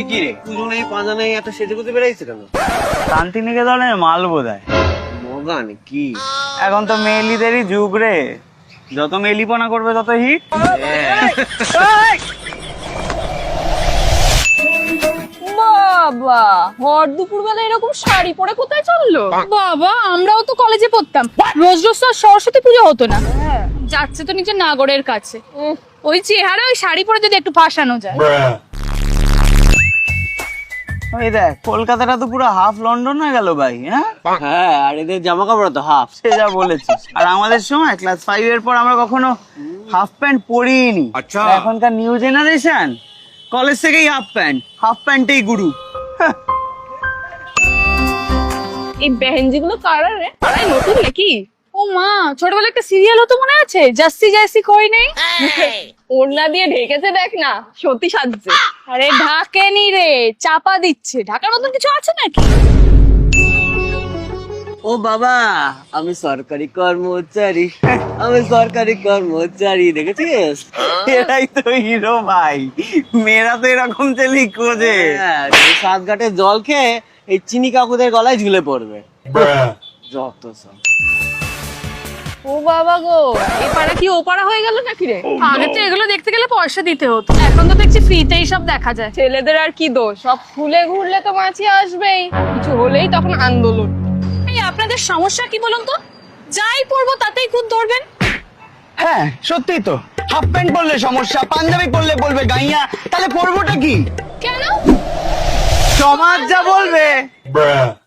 কি রে, পুজো নেই পাঁজা নেই, এত সেজে গুজে বেড়াইছে কেন? শান্তিনিকেতনের মাল বোধহয়। মগান কি? এখন তো মেয়েলিদেরই যুগ রে, যত মেলিপনা করবে তত হিট। বাবা, ভর দুপুর বেলা এরকম শাড়ি পরে কোথায় চললো? বাবা, আমরাও তো কলেজে পড়তাম, রোজ রোজ তো আর সরস্বতী পুজো হতো না। যাচ্ছে তো নিজের নাগরের কাছে, ওই চেহারা ওই শাড়ি পরে যদি একটু ফাঁসানো যায়। ওই দেখ, কলকাতাটা তো পুরো হাফ লন্ডন হয়ে গেল ভাই। হ্যাঁ, আর এদের জামা কাপড় তো হাফ। সে যা বলেছিস। আর আমাদের সময় ক্লাস 5 এর পর আমরা কখনো হাফ প্যান্ট পরিনি। আচ্ছা। এখনকার নিউ জেনারেশন কলেজ থেকেই হাফ প্যান্টেই গুরু। এই বেহেনজি গুলো কারা রে? আরে নতুন নাকি? ও মা, ছোটবেলায় একটা সিরিয়াল হতো মনে আছে, জাসি জাসি কই নেই? ওড়না দিয়ে ঢেকেছে দেখ না, সত্যি সাজছে। আরে ঢাকেনি রে, চাপা দিচ্ছে। ঢাকার মতন কিছু আছে নাকি? ও বাবা, আমি সরকারি কর্মচারী, আমি সরকারি কর্মচারী, দেখেছিস? এরাই তো হিরো ভাই, মেয়েরা তো এরকম চেলি খোঁজে। হ্যাঁ, এই সাত ঘাটে জল খেয়ে এই চিনি কাকুদের গলায় ঝুলে পড়বে। যত সব। ও বাবা গো, এই পাড়া কি ও পাড়া হয়ে গেল নাকি রে? আগে তো এগুলো দেখতে গেলে পয়সা দিতে হতো, এখন তো দেখছি ফ্রিতেই সব দেখা যায়। ছেলেদের আর কি দোষ, সব ফুলে ঘুরলে তো মাছি আসবেই, কিছু হলেই তখন আন্দোলন। এই আপনাদের সমস্যা কি বলুন তো? যাই পড়বো তাতেই খুদ ধরবেন। হ্যাঁ সত্যি তো, হাফ প্যান্ট পরলে সমস্যা, পাঞ্জাবি পরলে বলবে গাইয়া, তাহলে পরবোটা কি? কেন? সমাজ যা বলবে।